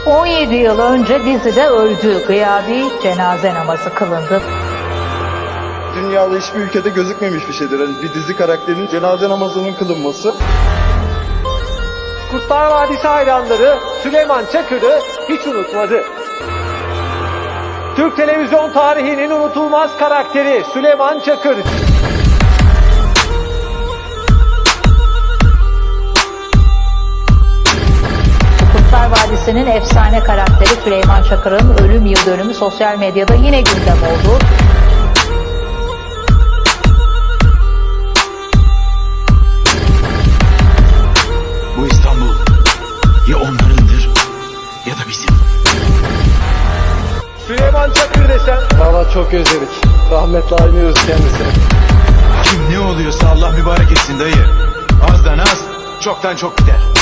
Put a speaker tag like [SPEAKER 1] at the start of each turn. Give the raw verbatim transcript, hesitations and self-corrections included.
[SPEAKER 1] on yedi yıl önce dizide öldü. Gıyabi cenaze namazı kılındı.
[SPEAKER 2] Dünyada hiçbir ülkede gözükmemiş bir şeydir. Yani bir dizi karakterinin cenaze namazının kılınması.
[SPEAKER 3] Kurtlar Vadisi hayranları Süleyman Çakır'ı hiç unutmadı. Türk televizyon tarihinin unutulmaz karakteri Süleyman Çakır.
[SPEAKER 1] Kurtlar Vadisi'nin efsane karakteri Süleyman Çakır'ın ölüm yıl dönümü sosyal medyada yine gündem oldu.
[SPEAKER 4] Bu İstanbul ya onlarındır ya da bizim.
[SPEAKER 3] Süleyman Çakır desem
[SPEAKER 2] Valla çok özledik. Rahmetle anıyoruz kendisini.
[SPEAKER 4] Kim ne oluyorsa Allah mübarek etsin dayı. Azdan az, çoktan çok gider.